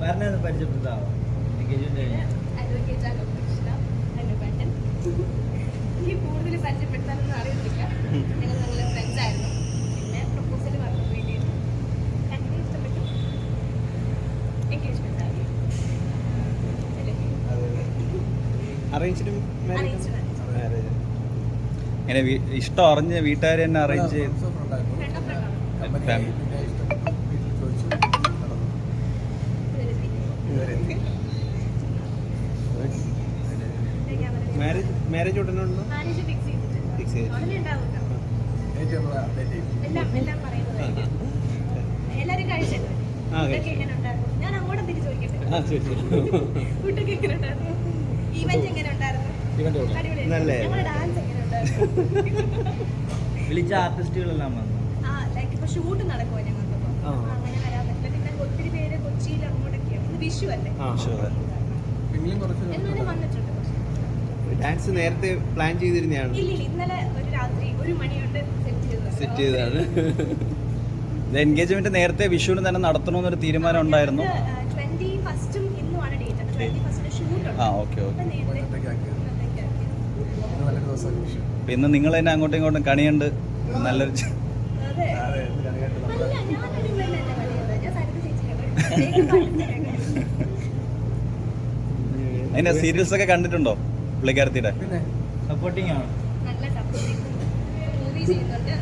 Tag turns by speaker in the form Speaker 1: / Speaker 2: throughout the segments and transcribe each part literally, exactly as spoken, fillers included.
Speaker 1: പരിചയപ്പെടുത്താവോ?
Speaker 2: എനിക്ക് കൂടുതൽ പരിചയപ്പെടുത്താനൊന്നും അറിയത്തില്ല. ഞങ്ങൾ നല്ല ഫ്രണ്ട്സ് ആയിരുന്നു. പിന്നെ പ്രപ്പോസൽ പറഞ്ഞു വേണ്ടി അങ്ങനെ ഇഷ്ടപ്പെട്ടു. എൻഗേജ്മെന്റ് ആയി.
Speaker 3: ഇങ്ങനെ ഇഷ്ടം അറിഞ്ഞ് വീട്ടുകാർ തന്നെ അറേഞ്ച് ചെയ്ത്
Speaker 1: മാരേജ് ഉടനെ ഉണ്ടോ?
Speaker 2: മാരേജ് ഫിക്സ് ചെയ്തിട്ടുണ്ട്.
Speaker 1: ഫിക്സ് ചെയ്തു.
Speaker 2: ഉടനെ ഉണ്ടാവും. എല്ലാം എല്ലാം പറയുന്നത് എല്ലാവരും കഴിച്ചല്ലോ. ഫുഡൊക്കെ എങ്ങനെ ഉണ്ടായിരുന്നു? ഞാൻ അങ്ങോട്ടും തിരിച്ചു ചോദിക്കട്ടെ. ഫുഡൊക്കെ എങ്ങനെ ഉണ്ടായിരുന്നു? ഈവന്റ് എങ്ങനെ ഉണ്ടായിരുന്നു?
Speaker 1: നല്ലേ.
Speaker 2: ഞങ്ങളുടെ ഡാൻസ് എങ്ങനെ ഉണ്ടായിരുന്നു?
Speaker 1: വിളിച്ച ആർട്ടിസ്റ്റുകളെല്ലാം വന്നു.
Speaker 2: ആ ലൈക്ക് ഇപ്പൊ ഷൂട്ട് നടക്കുമോ ഞങ്ങൾക്കിപ്പോ? അങ്ങനെ വരാൻ പറ്റില്ല. പിന്നെ ഒത്തിരി പേര് കൊച്ചിയിൽ അങ്ങോട്ടൊക്കെയാണ്. ഇത് വിഷു അല്ലേ? എന്നാലും വന്നിട്ടുണ്ട്.
Speaker 1: ഡാൻസ് നേരത്തെ പ്ലാൻ ചെയ്തിരുന്നതാണ്?
Speaker 2: ഇല്ല ഇന്നലെ ഒരു രാത്രി ഒരു മണിയുണ്ട് സെറ്റ് ചെയ്തത്.
Speaker 1: സെറ്റ് ചെയ്തതാണ്.
Speaker 3: എൻഗേജ്മെന്റ് നേരത്തെ വിഷുവിന് തന്നെ നടത്തണമെന്നൊരു തീരുമാനം ഉണ്ടായിരുന്നു.
Speaker 2: ട്വന്റി ഫസ്റ്റും ഇന്നുമാണ് ഡേറ്റ്. ട്വന്റി ഫസ്റ്റിന് ഷൂട്ട്
Speaker 3: ആ ഓക്കെ ഓക്കെ.
Speaker 2: അതെ
Speaker 3: ഇന്ന് നിങ്ങൾ തന്നെ അങ്ങോട്ടും ഇങ്ങോട്ടും കണിയുണ്ട് നല്ലൊരു
Speaker 2: അല്ല ഞാനൊരു പെണ്ണല്ല കളിയത്. ഞാൻ സരിത ചേച്ചിയാണ്.
Speaker 3: അതിന്റെ സീരിയൽസ് ഒക്കെ കണ്ടിട്ടുണ്ടോ പുള്ളിക്കാരത്തിയുടെ?
Speaker 1: സപ്പോർട്ടിങ് ആണ്.
Speaker 2: നല്ല സപ്പോർട്ടിങ്. മൂവി ചെയ്യുന്നുണ്ട്.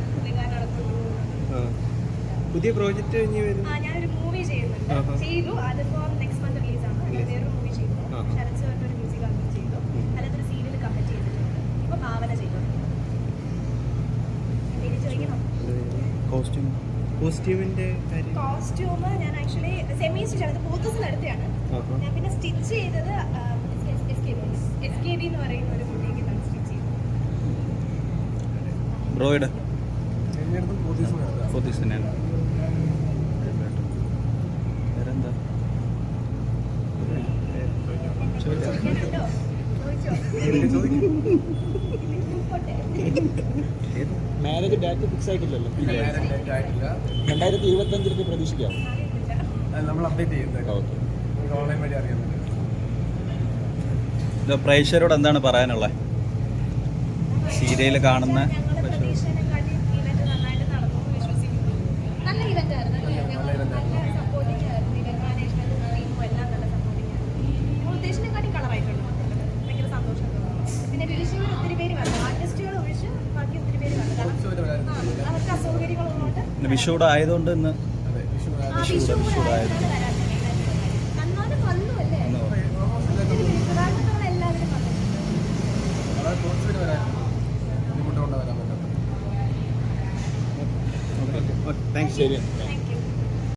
Speaker 1: പുതിയ പ്രോജക്റ്റ് ഇനി വരുന്നു.
Speaker 2: ആ ഞാനൊരു മൂവി ചെയ്യുന്നുണ്ട്. ചെയ്തു. അതിപ്പോ നെക്സ്റ്റ് മന്ത് റിലീസ് ആണ്. അല്ലാതെ വേറൊരു മൂവി ചെയ്തു. ശരത് സാറിന്റെ ഒരു മ്യൂസിക് ആൽബം ചെയ്തു. അല്ലാതെ ഒരു സീരിയൽ കമ്മിറ്റ് ചെയ്തിട്ടുണ്ട്. ഇപ്പൊ ഭാവന ചെയ്തു. എന്തെങ്കിലും ചോദിക്കണം?
Speaker 1: കോസ്റ്റ്യൂം കോസ്റ്റ്യൂമിന്റെ കാര്യം.
Speaker 2: കോസ്റ്റ്യൂം ഞാൻ ആക്ച്വലി സെമി സ്റ്റിച്ച് ആണ്. പോത്തസിന് അടുത്താണ്. ഞാൻ പിന്നെ സ്റ്റിച്ച് ചെയ്തത് എസ് കെ ബി എന്ന് പറയുന്ന ഒരു കുട്ടിക്ക് സ്റ്റിച്ച് ചെയ്തു.
Speaker 3: ബ്രോയുടെ ഫോർട്ടീസ് തന്നെയാണ്. വേറെന്താ?
Speaker 2: ചോദിക്കാനുണ്ടോ? ചോദിച്ചോ.
Speaker 4: മാരേജ് ഡേറ്റ് ഫിക്സ് ആയിട്ടില്ലല്ലോ. രണ്ടായിരത്തി ഇരുപത്തി അഞ്ചിലേക്ക് പ്രതീക്ഷിക്കാം.
Speaker 5: നമ്മൾ അപ്ഡേറ്റ് ചെയ്യുന്നത് ഓൺലൈൻ വഴി അറിയാൻ പറ്റും.
Speaker 3: പ്രേക്ഷകരോട് എന്താണ് പറയാനുള്ളത്? സീരിയൽ കാണുന്ന
Speaker 2: നല്ല ഇവന്റ് ആയിരുന്നു. നല്ല സപ്പോർട്ടിംഗ് ആയിരുന്നു. ഇവന്റ് മാനേജ്മെന്റും ടീമും എല്ലാം നല്ല സപ്പോർട്ടിംഗ് ആയിരുന്നു. ഞങ്ങൾ ഉദ്ദേശിച്ചതിനെക്കാട്ടി കളറായിട്ടുണ്ട്. ഭയങ്കര സന്തോഷം. പിന്നെ വിളിച്ചവർ ഒത്തിരി പേര് വന്നു. ആർട്ടിസ്റ്റുകൾ ഒഴിച്ച് ബാക്കി ഒത്തിരി പേര് വന്നു. കാരണം അവർക്ക് അസൗകര്യങ്ങളുള്ളതുകൊണ്ട്
Speaker 3: വിഷുവിടെ ആയതുകൊണ്ട് ഇന്ന്
Speaker 2: വിഷു കൂടെ ആയതുകൊണ്ട് വരാൻ എന്നാലും വന്നു അല്ലേ? പ്രധാനപ്പെട്ടവർ എല്ലാവരും വന്നിട്ടുണ്ട്.
Speaker 5: ബുദ്ധിമുട്ടുകൊണ്ട് വരാൻ പറ്റാത്ത.
Speaker 1: താങ്ക്സ്.
Speaker 4: ശരി.
Speaker 2: Thank U.